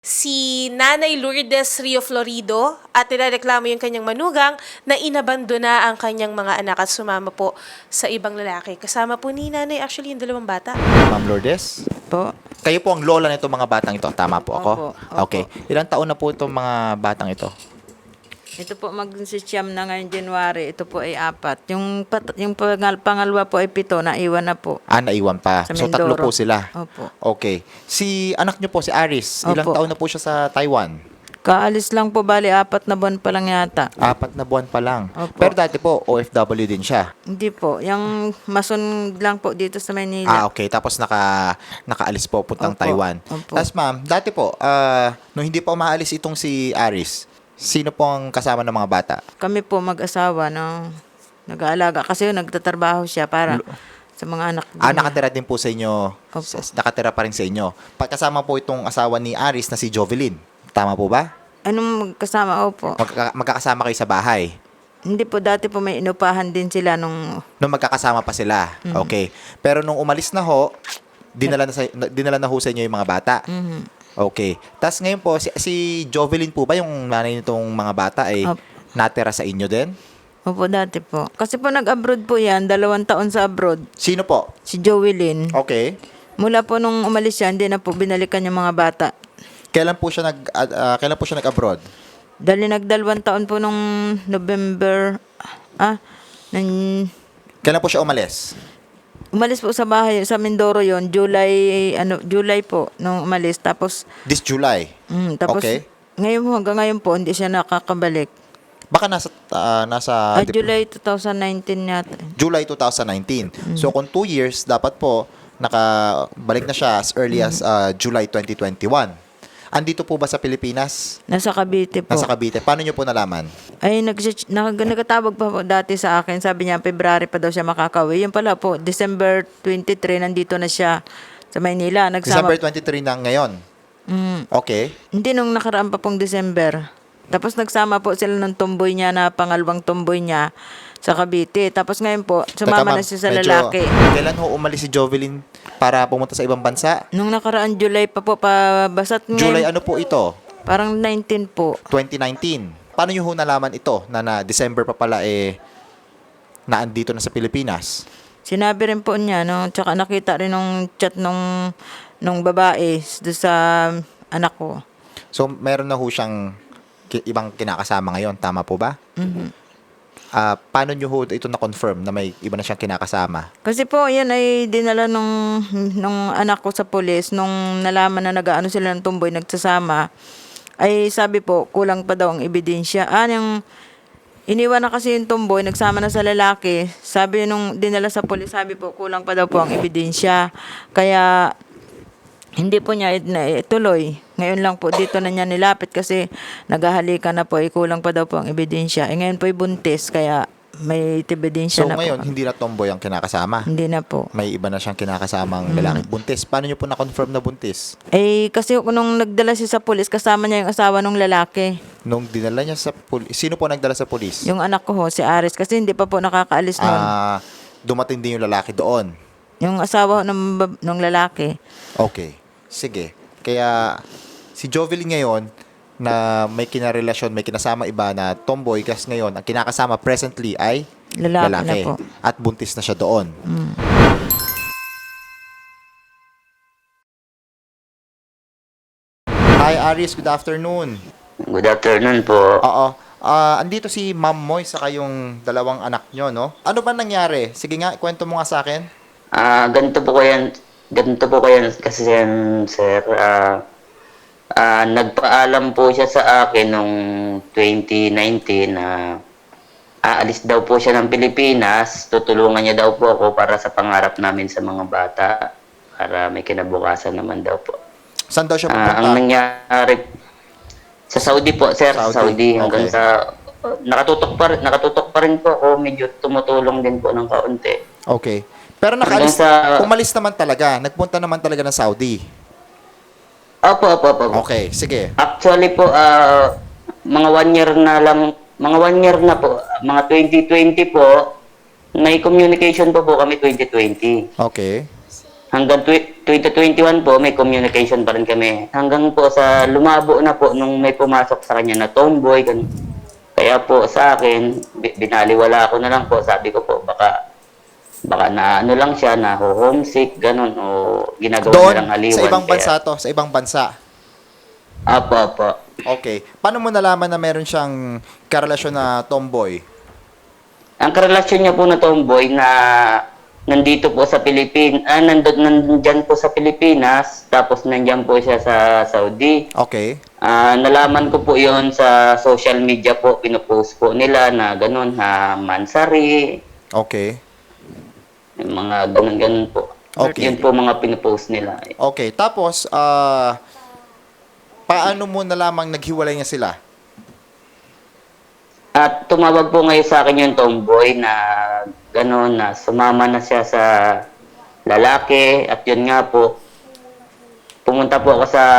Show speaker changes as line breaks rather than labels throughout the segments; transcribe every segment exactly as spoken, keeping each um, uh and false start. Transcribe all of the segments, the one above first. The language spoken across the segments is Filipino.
si Nanay Lourdes Rio Florido at nirereklamo yung kanyang manugang na inabandona ang kanyang mga anak at sumama po sa ibang lalaki. Kasama po ni Nanay actually yung dalawang bata.
Ma'am Lourdes,
Po.
kayo po ang lola nito mga batang ito. Tama po ako?
Opo, opo.
Okay. Ilang taon na po itong mga batang ito?
Ito po mag-siyam na ngayon January. Ito po ay apat. Yung, pat- yung pangal- pangalawa po ay pito. Naiwan na po.
Ah, naiwan pa.
Sa
So, tatlo
Mindoro.
po sila.
Opo.
Okay. Si anak nyo po, si Aris, ilang
Opo.
taon na po siya sa Taiwan?
Kaalis lang po, bali apat na buwan pa lang yata.
Apat na buwan pa lang.
Opo.
Pero dati po, O F W din siya.
Hindi po. Yung mason lang po dito sa
Ah,
Manila.
okay. Tapos naka, nakaalis po puntang
Opo.
Taiwan.
Opo.
Tapos ma'am, dati po, ah, nung hindi pa umaalis itong si Aris, sino po ang kasama ng mga bata?
Kami po mag-asawa no, nag-aalaga. Kasi yun, nagtatrabaho siya para sa mga anak
Ah,
niya.
nakatira din po sa inyo.
Opo.
S- Nakatira pa rin sa inyo. Pagkasama po itong asawa ni Aris na si Jovelyn. Tama po ba?
Anong magkasama? Opo.
Magkaka- magkakasama kayo sa bahay.
Hindi po, dati po may inupahan din sila nung...
Nung magkakasama pa sila.
Mm-hmm.
Okay. Pero nung umalis na ho, dinala na, sa, dinala na ho sa inyo yung mga bata.
Mhm.
Okay. Tapos ngayon po, si, si Jovelyn po ba, yung nanay nitong mga bata, ay
Opo.
natira sa inyo din?
Opo, dati po. Kasi po nag-abroad po yan, dalawang taon sa abroad.
Sino po?
Si Joelyn.
Okay.
Mula po nung umalis siya, hindi na po binalikan yung mga bata.
Kailan po siya nag ah, ah, kailan po siya nag-abroad?
Dali nagdalawang taon po nung November, ah, nang,
Kailan po siya umalis?
umalis po sa bahay, sa Mindoro yon July, ano, July po, nung umalis. Tapos,
This July.
mm, tapos,
Okay.
ngayon po, hanggang ngayon po, hindi siya nakakabalik.
Baka nasa ah, nasa
Ah,
dip-
July twenty nineteen yata.
July twenty nineteen.
Mm.
So kung two years, dapat po nakabalik na siya as early as ah, July twenty twenty-one. Andito po ba sa Pilipinas?
Nasa Cavite po.
Nasa Cavite. Paano nyo po nalaman?
Ay, nag nag nagkatawag pa po dati sa akin. Sabi niya, February pa daw siya makakauwi. Yun pala po, December twenty-three, nandito na siya sa Maynila. Nagsama,
December twenty-three na ngayon.
Mm,
Okay.
hindi nung nakaraan pa pong December. Tapos nagsama po sila ng tomboy niya na pangalawang tomboy niya sa Cavite. Tapos ngayon po, sumama
Teka,
na
ma'am,
siya sa
medyo-
lalaki.
Kailan ho umalis si Jovelyn para pumunta sa ibang bansa?
Nung nakaraan July pa po, pabasat
July
ngayon,
ano po ito?
parang nineteen po.
twenty nineteen. Paano nyo ho nalaman ito na na December pa pala eh naandito na sa Pilipinas?
Sinabi rin po niya, no? Tsaka nakita rin nung chat nung, nung babae doon sa anak ko.
So meron na ho siyang ki- ibang kinakasama ngayon, tama po ba?
Mhm.
Ah, paano nyo ho ito na-confirm na may iba na siyang kinakasama?
Kasi po, yan ay dinala nung, nung anak ko sa polis, nung nalaman na nag-ano sila ng tumboy, nagsasama, ay sabi po, kulang pa daw ang ebidensya. Ah, yung iniwan na kasi yung tumboy, nagsama na sa lalaki, sabi nung dinala sa polis, sabi po, kulang pa daw po ang ebidensya. Kaya, hindi po niya na- ituloy. Ngayon lang po dito na niya nilapit kasi naghahalikan na po, eh, kulang pa daw po ang ebidensya. Eh, ngayon po ay buntis, kaya may ebidensya
So
na
ngayon,
po.
hindi na tomboy ang kinakasama.
Hindi na po.
May iba na siyang kinakasamang
Mm.
lalaki. Buntis. Paano nyo po na-confirm na buntis?
Eh, kasi nung nagdala siya sa pulis, kasama niya yung asawa ng lalaki.
Nung dinala niya sa pulis, sino po nagdala sa pulis?
Yung anak ko ho, si Aris, kasi hindi pa po nakakaalis nun.
Ah, dumating din yung lalaki doon.
Yung asawa ho ng, bab- ng lalaki.
Okay. Sige. Kaya si Jovelyn ngayon na may kinarelasyon, may kinasama iba na tomboy, kasi ngayon ang kinakasama presently ay
Lalaki,
lalaki.
na po.
At buntis na siya doon.
Mm.
Hi Aris, good afternoon.
Good afternoon po.
Oo. Ah, andito si Ma'am Moy sa kayong dalawang anak nyo, no? Ano ba nangyari? Sige nga, kwento mo nga sa akin.
Ah, ganito po kayan, ganito po kayan kasi yan, sir. Ah, ah, nagpaalam po siya sa akin nung twenty nineteen na aalis daw po siya ng Pilipinas. Tutulungan niya daw po ako para sa pangarap namin sa mga bata. Para may kinabukasan naman daw po.
Saan daw siya
Ah, ang
pupunta?
nangyari sa Saudi po, sir,
Saudi,
sa Saudi hanggang
okay.
sa nakatutok pa rin, nakatutok pa rin po ako, medyo tumutulong din po ng kaunti.
Okay. Pero nakaalis,
Hanggang sa-
umalis naman talaga. Nagpunta naman talaga ng Saudi.
Opo, opo, opo.
Okay, sige.
Actually po, ah, mga one year na lang, mga one year na po, mga twenty twenty po, may communication po po kami twenty twenty.
Okay.
hanggang tw- twenty twenty-one po, may communication pa rin kami. Hanggang po sa lumabo na po nung may pumasok sa kanya na tomboy. Ganun. Kaya po sa akin, bi- binaliwala ko na lang po. Sabi ko po, baka baka na ano lang siya, na homesick, ganun, o ginagawa
Doon,
nilang haliwan.
sa ibang
Kaya-
bansa to, sa ibang bansa.
Apo, apo.
Okay. Paano mo nalaman na meron siyang karelasyon na tomboy?
Ang karelasyon niya po na tomboy na nandito po sa Pilipinas, ah, nandun, nandyan po sa Pilipinas, tapos nandyan po siya sa Saudi.
Okay.
Ah, nalaman ko po yon sa social media po, pinopost po nila na ganun, ha, Mansari,
Okay.
yung mga ganun-ganun po.
Okay.
Yun po mga pinopost nila.
Okay. Tapos, ah, paano mo nalamang naghiwalay niya sila?
At tumawag po ngayon sa akin yung tomboy na gano'n, na sumama na siya sa lalaki. At yun nga po, pumunta po ako sa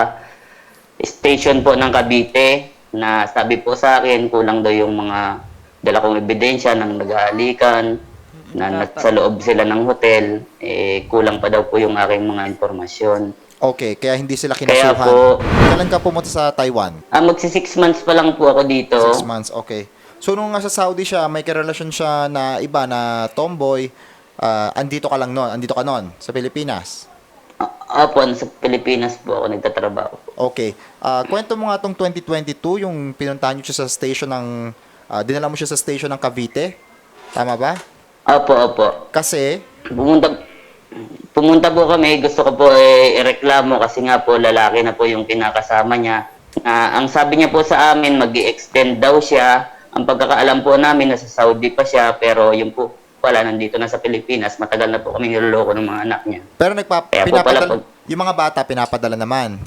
station po ng Cavite na sabi po sa akin, kulang daw yung mga dala kong ebidensya ng nag-aalikan, na nasa loob sila ng hotel, eh, kulang pa daw po yung aking mga impormasyon.
Okay. Kaya hindi sila
Kaya
kinasuhan.
po-
Kailan ka pumunta sa Taiwan?
Ah, magsi six months pa lang po ako dito.
Six months. Okay. So, nung nasa Saudi siya, may karelasyon siya na iba na tomboy. ah, andito ka lang noon. Andito ka noon sa Pilipinas.
Ah, Opo, sa Pilipinas po ako nagtatrabaho.
Okay. Ah, kwento mo nga tong twenty twenty-two, yung pinuntahan niyo siya sa station ng, ah, dinala mo siya sa station ng Cavite. Tama ba?
Opo, opo.
Kasi,
Pumunta, pumunta po kami, gusto ko po eh, ireklamo kasi nga po lalaki na po yung kinakasama niya. Na ang sabi niya po sa amin, mag extend daw siya. Ang pagkakaalam po namin, nasa Saudi pa siya, pero yung po pala nandito na sa Pilipinas, matagal na po kami niloloko ng mga anak niya.
pero nagpa,
Kaya po
pinapadala,
pala po-
yung mga bata, pinapadala naman.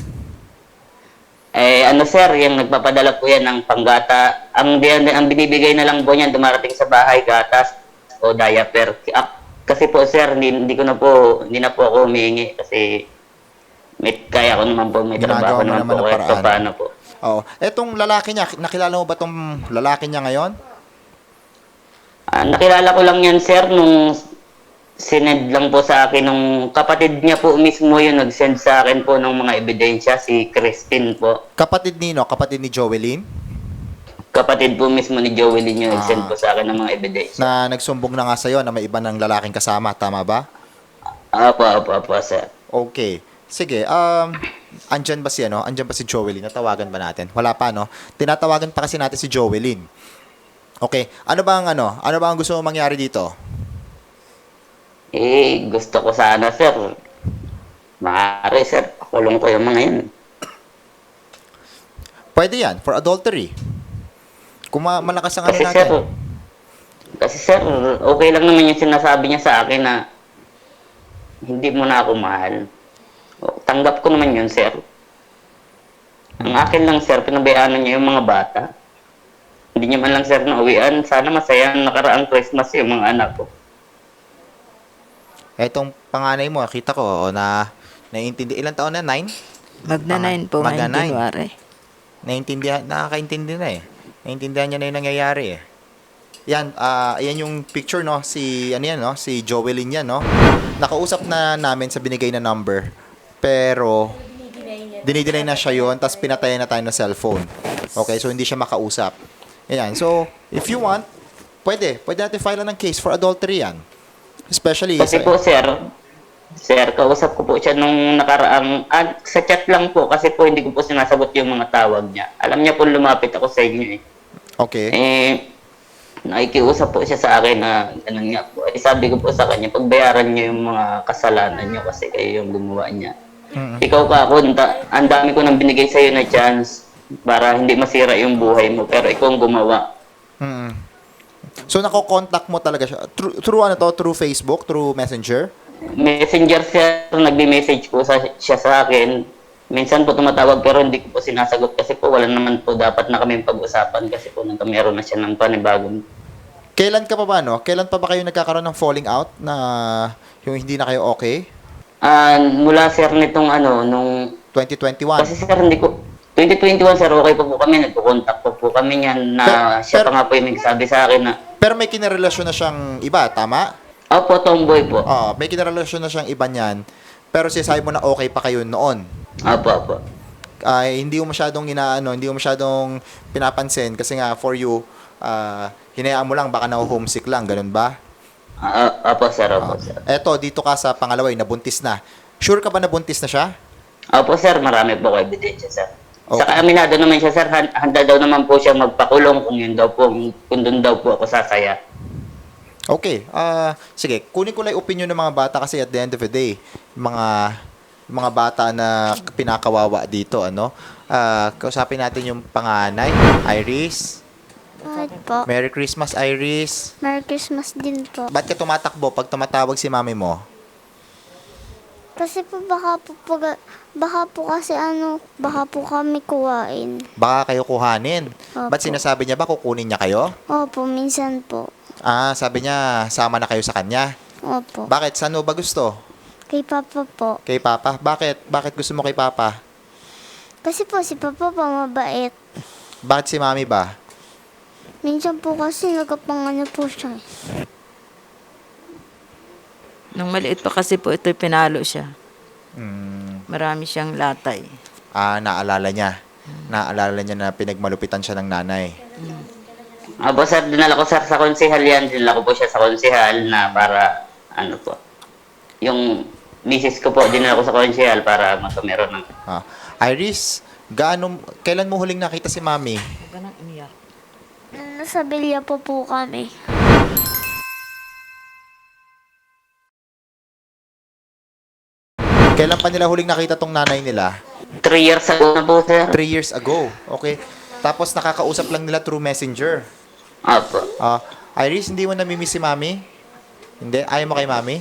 Eh, ano sir, yung nagpapadala po yan ng panggata. Ang, di- ang binibigay na lang po niyan, dumarating sa bahay, gatas o diaper. Ah, Kasi po sir, hindi, hindi ko na po, hindi na po ako humihingi kasi may, kaya ko naman po, may
Ginagawa
trabaho
mo
naman
naman
po.
ang
Kaya
paraan.
so, paano po?
Oo. Etong lalaki niya, nakilala mo ba tong lalaki niya ngayon?
Ah, nakilala ko lang yan sir nung sinend lang po sa akin nung kapatid niya po mismo yung nag-send sa akin po ng mga ebidensya, si Christine po.
Kapatid nino, kapatid ni Jovelyn,
Kapatid po mismo ni Joelyn yung
Ah.
nag-send po sa akin ng mga ebidensya.
na nagsumbong na nga sa'yo na may iba ng lalaking kasama. Tama ba?
Apo, apo, apo sir.
Okay. Sige, um, andyan ba si, ano? Andyan ba si Jovelyn? Natawagan ba natin? Wala pa, no? Tinatawagan pa kasi natin si Jovelyn. Okay. Ano ba ang, ano? Ano ba ang gusto mo mangyari dito?
Eh, gusto ko sana, sir. Maaari, sir. Kulong ko yung mga yun.
Pwede yan, for adultery. Kung ma- malakas ang ano
Kasi,
natin.
sir, kasi, sir, okay lang naman yung sinasabi niya sa akin na hindi mo na ako mahal. O, tanggap ko naman yun, sir. Ang akin lang, sir, pinabayaan niya yung mga bata. Hindi niya man lang, sir, nauwian. Sana masaya ang nakaraang Christmas yung mga anak ko.
Etong panganay mo, kita ko, o, na, naiintindi, ilang taon na? Nine?
Magna nine po
Magna
ngayong
nine.
January.
Naintindihan, nakakaintindi na eh. Naintindihan niya na yung nangyayari eh. Yan, ah, yan yung picture, no? Si, ano yan, no? Si Jovelyn yan, no? Nakausap na namin sa binigay na number. Pero, dinideny na siya yun, tapos pinatayan na tayo ng cellphone. Okay, so hindi siya makausap. Yan, so, if you want, pwede. Pwede natin file ng case for adultery yan. Especially,
Kasi
sa-
po, sir, sir, kausap ko po siya nung nakaraang, ah, sa chat lang po, kasi po hindi ko po sinasagot yung mga tawag niya. Alam niya po lumapit ako sa inyo eh.
okay.
Eh, nakikiusap po siya sa akin na ganun nga po. Eh, sabi ko po sa kanya, pagbayaran niyo yung mga kasalanan niyo kasi kayo yung gumawa niya.
Mm-mm.
Ikaw ka ako, anda- ang dami ko nang binigay sa'yo na chance para hindi masira yung buhay mo, pero ikaw ang gumawa.
Mm-mm. So, nako-contact mo talaga siya. Through, through ano to? Through Facebook? Through Messenger?
Messenger siya, nagme-message po sa, siya sa akin. Minsan po tumatawag pero hindi ko po sinasagot kasi po wala naman po dapat na kami pag-usapan kasi po nang meron na siya ng panibagong.
Kailan ka pa ba, no? Kailan pa ba kayo nagkakaroon ng falling out na yung hindi na kayo okay?
Ah, mula sir nitong ano, nung,
twenty twenty-one.
kasi sir hindi ko, twenty twenty-one sir, okay po po kami, nagko-contact po po kami niyan na
Pero-
siya
pero-
pa nga po yung nagsabi sa akin na,
Pero may kinarelasyon na siyang iba, tama?
Opo, tomboy po.
Oh, may kinarelasyon na siyang iba niyan. Pero sinasabi mo na okay pa kayo noon.
Opo, opo.
Ay hindi mo masyadong inaano, hindi mo masyadong pinapansin kasi nga for you, ah hinayaan mo lang baka na-homesick lang, ganun ba?
Ah, opo, sir, opo, sir.
Eto, dito ka sa pangalawa, eh, nabuntis na. Sure ka ba nabuntis na siya?
Opo, sir, marami po ko ebidensya, sir.
Okay.
Saka aminado naman siya, sir. Han- Handa daw naman po siya magpakulong kung yun daw po, kung doon daw po ako sasaya.
Okay. Ah, sige, kunin ko lang yung opinion ng mga bata kasi at the end of the day, mga mga bata na pinakawawa dito, ano? Ah, kausapin natin yung panganay, Iris.
Bakit po?
Merry Christmas, Iris.
Merry Christmas din po.
Ba't ka tumatakbo pag tumatawag si mami mo?
Kasi po baka po, pag, baka po kasi ano, baka po kami kuwain.
Baka kayo kuhanin.
Opo.
Ba't sinasabi niya ba kukunin niya kayo?
Opo, minsan po.
Ah, sabi niya sama na kayo sa kanya.
Opo.
Bakit? Saan mo ba gusto?
Kay Papa po.
Kay Papa? Bakit? Bakit gusto mo kay Papa?
Kasi po si Papa po mabait.
Bakit si mami ba?
Minsan po kasi nagkapangano po siya. eh.
Nung maliit pa kasi po ito, pinalo siya.
Hmm,
Marami siyang latay.
ah, naalala niya. Naalala niya na pinagmalupitan siya ng nanay.
Opo, sir, dinala ko, sir, sa konsehal yan. Dinala ko po siya sa konsehal na para, ano po, yung misis ko po, dinala ko sa konsehal para magkamero ng...
Ah, Iris, gaano, kailan mo huling nakita si mami?
Huwag ka nang umiyak.
Nasa bilya po po kami.
Kailan pa nila huling nakita tong nanay nila?
Three years ago na po, sir.
Three years ago. Okay. Tapos nakakausap lang nila through messenger.
Opo.
Ah, Iris, hindi mo namimiss si mami? Hindi? Ayaw mo kay mami?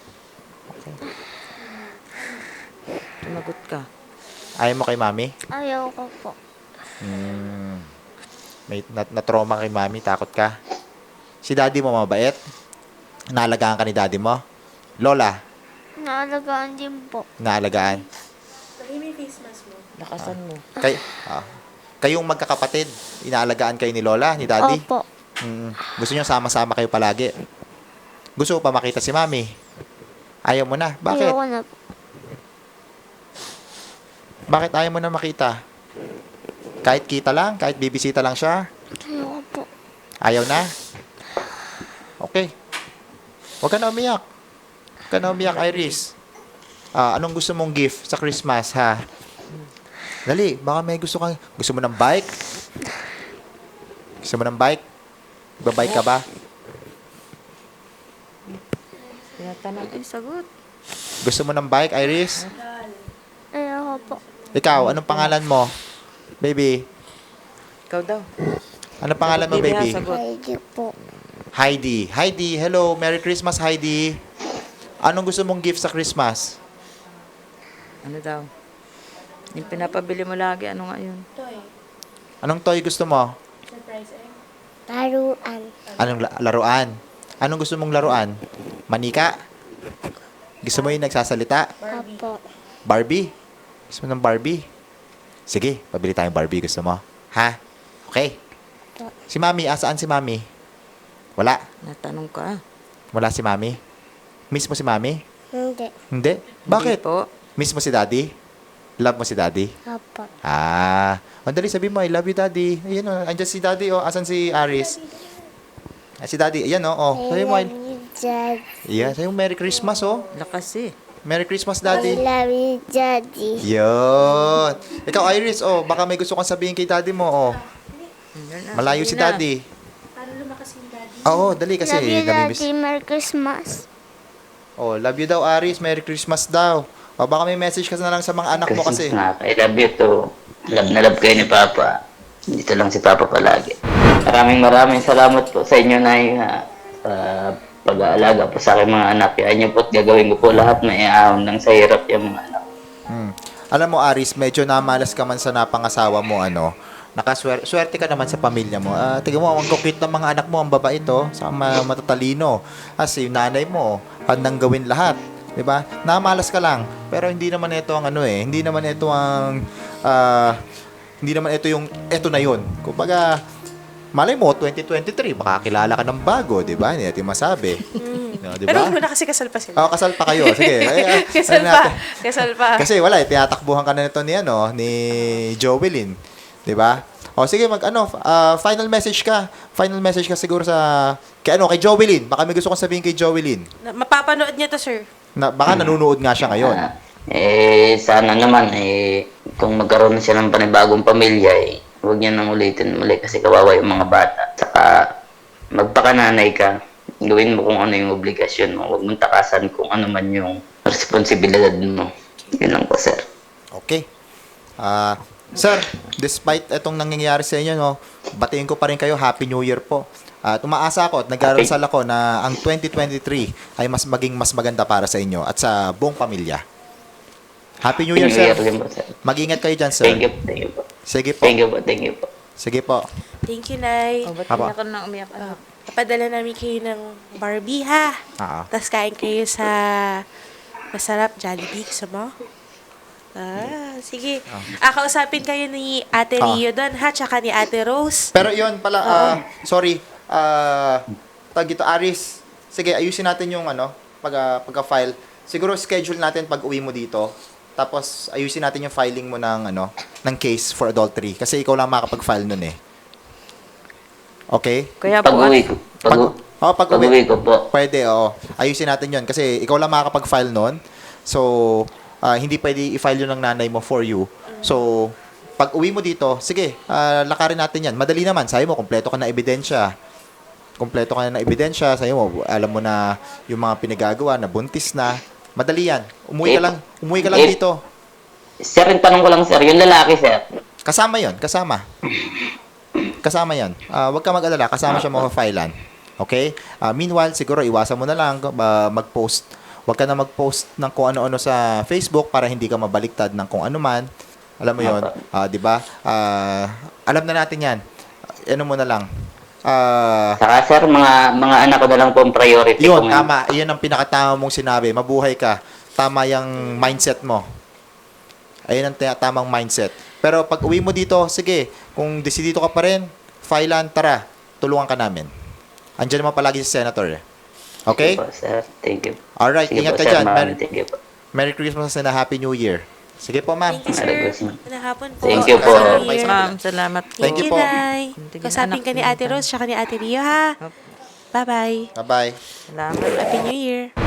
Tumagot ka.
Ayaw mo kay mami?
Ayaw ko po.
Hmm. May na- na-trauma kay mami, takot ka? Si daddy mo mabait? Naalagaan ka ni daddy mo? Lola,
Naalagaan din po.
naalagaan.
Lakasan mo.
Kay, ah, kayong magkakapatid, inaalagaan kayo ni Lola, ni daddy?
Opo.
Mm, gusto niyo sama-sama kayo palagi? Gusto mo pa makita si mami? Ayaw mo na? Bakit?
Ayaw ko na po.
Bakit ayaw mo na makita? Kahit kita lang? Kahit bibisita lang siya?
Ayaw ko po.
Ayaw na? Okay. Huwag ka na umiyak. Huwag ka na umiyak, Iris. Ah, anong gusto mong gift sa Christmas, ha? Dali, baka may gusto kang... Gusto mo ng bike? Gusto mo ng bike? Babike ka ba?
Tinatanong, ay sagot.
Gusto mo ng bike, Iris?
Ayaw ko po.
Ikaw, anong pangalan mo? Baby,
Ikaw daw.
anong pangalan mo,
Baby, ha,
baby?
sagot.
Ayaw po.
Heidi. Heidi, hello. Merry Christmas, Heidi. Anong gusto mong gift sa Christmas?
Ano daw? Yung pinapabili mo lagi, ano nga yun?
Anong toy gusto mo?
Taruan.
Anong la- laruan? Anong gusto mong laruan? Manika? Gusto mo yung nagsasalita?
Opo.
Barbie? Gusto mo ng Barbie? Sige, pabili tayong Barbie. Gusto mo? Ha? Okay. Si Mami, asaan si Mami? Wala.
Natanong ka.
Wala si Mami? Miss mo si Mami?
Hindi.
Hindi? Bakit?
Hindi po.
Miss mo si Daddy? Love mo si Daddy?
Opo.
Ah. Mandali, sabi mo, I love you, Daddy. Ayan o, andyan si Daddy o. Asan si Aris? Ah, si Daddy, ayan o. Oh. Sabi mo, I-
you, Dad.
yeah, sabi mo, Merry Christmas o.
Lakas eh.
Merry Christmas,
I
Daddy.
love you, Daddy.
Yun. Ikaw, Iris, oh, baka may gusto kang sabihin kay Daddy mo, oh.
Yun na,
Malayo
sabihin
si
na.
Daddy. Oo, dali kasi.
love you,
namimiss.
Daddy. Merry Christmas.
Oh, love you daw, Aris. Merry Christmas daw. O, baka may message ka na lang sa mga anak mo kasi.
Na, I love you too. Love na love kayo ni Papa. Dito lang si Papa palagi. Maraming maraming salamat po sa inyo, Nay, na sa pag-aalaga po sa aking mga anak. Kaya niyo po at gagawin ko po lahat na iaahon ng sa hirap yung mga anak.
Hmm. Alam mo, Aris, medyo namalas ka man sa napangasawa mo, ano. Nakaswerte swerte ka naman sa pamilya mo. Ah, tingnan mo, ang kukit ng mga anak mo, ang babae to, sa ma- matatalino. Kasi yung nanay mo, handang gawin lahat. 'Di ba? Namalas ka lang. Pero hindi naman ito ang ano eh, hindi naman ito ang ah, hindi naman ito yung ito na 'yon. Kumbaga Malay mo, twenty twenty-three, makakilala ka ng bago, di ba? Hindi natin masabi. No, di
Pero
ba?
muna kasi kasal pa sila.
Oh, kasal pa kayo. Sige. Ay, ay,
kasal
ano
pa.
natin?
Kasal pa.
Kasi wala, eh, tinatakbuhan ka na nito ni, ano, ni Jovelyn. Di ba? O sige, mag, ano, ah, final message ka. Final message ka siguro sa, kay, ano, kay Jovelyn. Baka may gusto kong sabihin kay Jovelyn.
Na- Mapapanood niya to, sir.
Na, baka nanonood nga siya ngayon.
Ah, eh, sana naman, eh, kung magkaroon na siya ng panibagong pamilya, eh, huwag niya nang ulitin muli kasi kawawa yung mga bata. Saka, magpakananay ka, gawin mo kung ano yung obligasyon mo. Huwag mong takasan kung ano man yung responsibilidad mo. Yun lang po, sir.
Okay. Ah, sir, despite itong nangyayari sa inyo, no, batiin ko pa rin kayo, Happy New Year po. At umaasa ako at nag-aaral ako na ang twenty twenty-three ay mas maging mas maganda para sa inyo at sa buong pamilya. Happy New Year,
New
sir.
Year din po, sir.
Mag-ingat kayo dyan, sir.
Thank you, thank you po.
Sige po.
Thank you po, thank you po.
Sige po.
Thank you, Nay.
Oh, ba't
Aba.
umiyak ka na umiyak? Ano?
Papadala namin kayo ng Barbie, ha?
Ah.
Tapos kain kayo sa masarap Jollibee. Gusto mo? Ah, sige. Ah, kausapin kayo ni Ate
Ah.
Rio doon, ha? Tsaka ni Ate Rose.
Pero yun pala, ah, sorry, ah, tag ito, Aris, sige, ayusin natin yung ano, pag, ah, pagka-file. Siguro schedule natin pag uwi mo dito. Tapos ayusin natin yung filing mo ng ano, ng case for adultery kasi ikaw lang makakapag-file nun eh. Okay?
Kaya po,
Pag-uwi ko, pag,
Pag, oh, pag uwi,
pag-uwi ko po.
pwede, oo. Ayusin natin yun kasi ikaw lang makakapag-file nun. So, ah, hindi pwede i-file yun ng nanay mo for you. So, pag uwi mo dito, sige, ah, lakarin natin yan. Madali naman. Sabi mo, kompleto ka na ebidensya. Kompleto ka na ng ebidensya. Sabi mo, alam mo na yung mga pinagagawa na buntis na. Madali yan. Umuwi ka
Eh,
lang. Umuwi ka lang
eh,
dito.
Sir, yung tanong ko lang, sir, yung lalaki, sir.
Kasama yon, kasama. Kasama yan. Ah, huwag ka mag-alala. Kasama siya mga-filean. Okay? Ah, meanwhile, siguro iwasan mo na lang ah, mag-post. Huwag ka na mag-post ng kung ano-ano sa Facebook para hindi ka mabaliktad ng kung ano man. Alam mo yon, ah, 'di ba? Ah, alam na natin 'yan. Ano mo na lang. Ah,
Saka, sir, mga mga anak ko na lang po ang priority ko
yun,
ngayon.
tama. Iyon ang pinakatama mong sinabi. Mabuhay ka. Tama yung mindset mo. Ayun ang tina- tamang mindset. Pero pag uwi mo dito, sige, kung desidito ka pa rin, filean, tara, tulungan ka namin. Andiyan naman palagi si Senator. eh. Okay?
Sige po, sir. Thank you.
Alright,
Sige
ingat
po,
ka
sir.
dyan.
Maraming
Merry,
Thank you po.
Merry Christmas and a Happy New Year. Sige po, ma'am.
Thank you,
Merry
sir.
Christmas.
Magandang hapon po.
Thank you po.
Happy New Year.
ma'am, salamat po.
Thank you po.
Nay.
Tingnan
Kausapin
anak
ka ni
ko.
Ate Rose tsaka ni Ate Rio, ha? Bye-bye.
Bye-bye.
Salamat.
Happy New Year.